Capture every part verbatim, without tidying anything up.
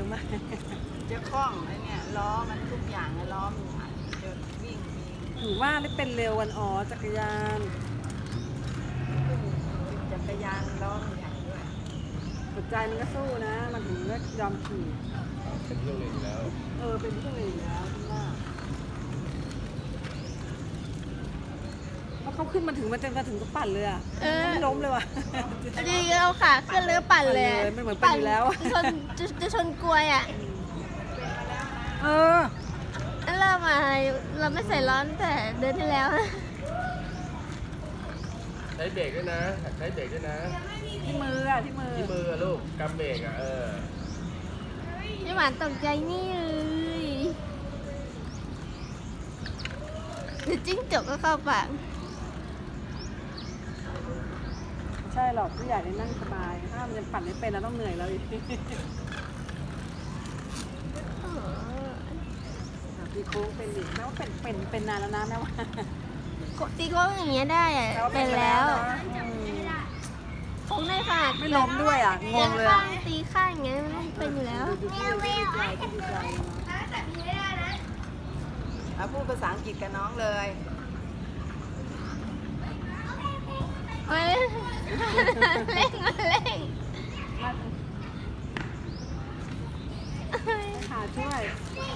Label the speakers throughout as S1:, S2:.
S1: มาก
S2: จะคล่องไอ้เนี่ยล้อมันทุกอย่างไอ้ล้อมันจะวิ่งมี
S1: ถือว่าได้เป็นเร็ววันอ๋อจักรยาน
S2: จักรยานล้อมันใหญ่ด้วย
S1: หัวใจมันก็สู้นะ มันถึงไม่ยอมขี่
S3: เป็นเรื่องเล่นอยู่แล้ว
S1: เออเป็นที่หนึ่งแล้วที่ว่าเพราะเขาขึ้นมาถึงมันจะมาถึงก็ปั่นเลยอ่ะ
S4: เออ
S1: ไม่ล้มเลยว่ะ
S4: ดีเอาขาขึ้นแล้วปั่นเลย
S1: ปั่นเลยมันเหมือนปั่นอยู่แล้ว
S4: ชนจะจะชนกลวยอ่ะ
S1: เออ
S4: เริ่มมาเราไม่ใส่ร้อนแต่เดินที่แล้วนะ
S3: ใช้เบรกด้วยนะใช้เบรกด้วยนะ
S1: ที่มืออ่ะที่มือ
S3: ที่มืออะลูกกำเบรกอ่ะเออ
S4: พี่หวานตกใจนี่เลยเดี๋ยวจิ้งจกก็เข้าปาก
S1: ใช่หรอกผู้ใหญ่ได้นั่งสบาย ถ้ามันยังปั่นไม่เป็นเราต้องเหนื่อยแล้วอีกตีโค้งเป็นอีกแม้ว่าเป็นเป็นเป็นนานแล้วนะแม่ว่า
S4: ตีโค้งอย่างเงี้ยได้อะ
S1: แต่ว่า
S4: เป็นแล้ว
S1: นะอืม
S4: โค้งได้ค่ะ
S1: ไม่ล้มด้วยอ่ะงงเลย
S4: ข้า
S1: อะ
S4: งตีข้างอย่างเงี้ยมันเป็นอยู่แล้ว
S1: ดูพี่ดีใจดีใจ
S2: เอาพูดภาษาอังกฤษกับน้องเลย
S4: เอ้ยเร่งมาเร่ง
S1: ขาช่วย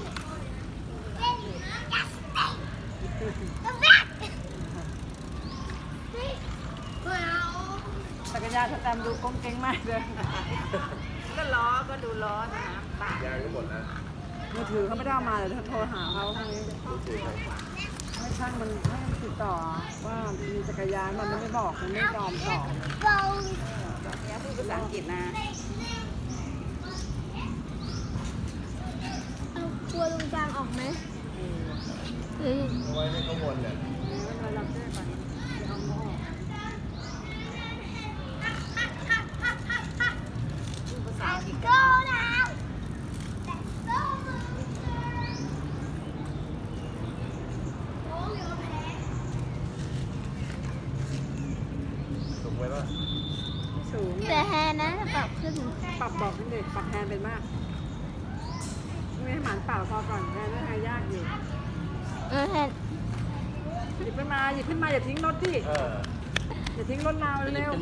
S1: จักรยานสแตมป์ดูก้มเก้งมากเลย
S2: ก็ล้อก็ดูล้อนะปาก
S3: ยางก็หมดแล้ว
S1: มือถือเขาไม่ได้เอามาเดี๋ยวโทรหาเขาให้
S3: ดูสิครับ
S1: ให้ช่างมันให้มันติดต่อว่ามีจักรยานมันไม่บอกมันไม่ยอมตอบ
S2: เนี่ยพูดภาษาอังกฤษนะ
S4: เอากลัวลุงจางออกไหมเฮ้ย
S3: เอาไว้ให้เขาวนเนี่ย
S1: ไม่เป็นไรเราแก้ไปเอาหม้อ
S2: พูดภาษาอังกฤษกับน้อง
S3: ถูกไหมล่ะ
S1: สูง
S4: แต่แฮนะปรับขึ้น
S1: ปรับบอกนิดหนึ่งปรับแฮนด์เป็นมากไม่ให้หมันเปล่าพอก่อนแฮนด์ไม่ให้ยากอยู่
S4: เออแฮน
S1: หยิบขึ้นมาหยิบขึ้นมาอย่าทิ้งรถดิ
S3: เออ
S1: อย่าทิ้งรถเราเร็ว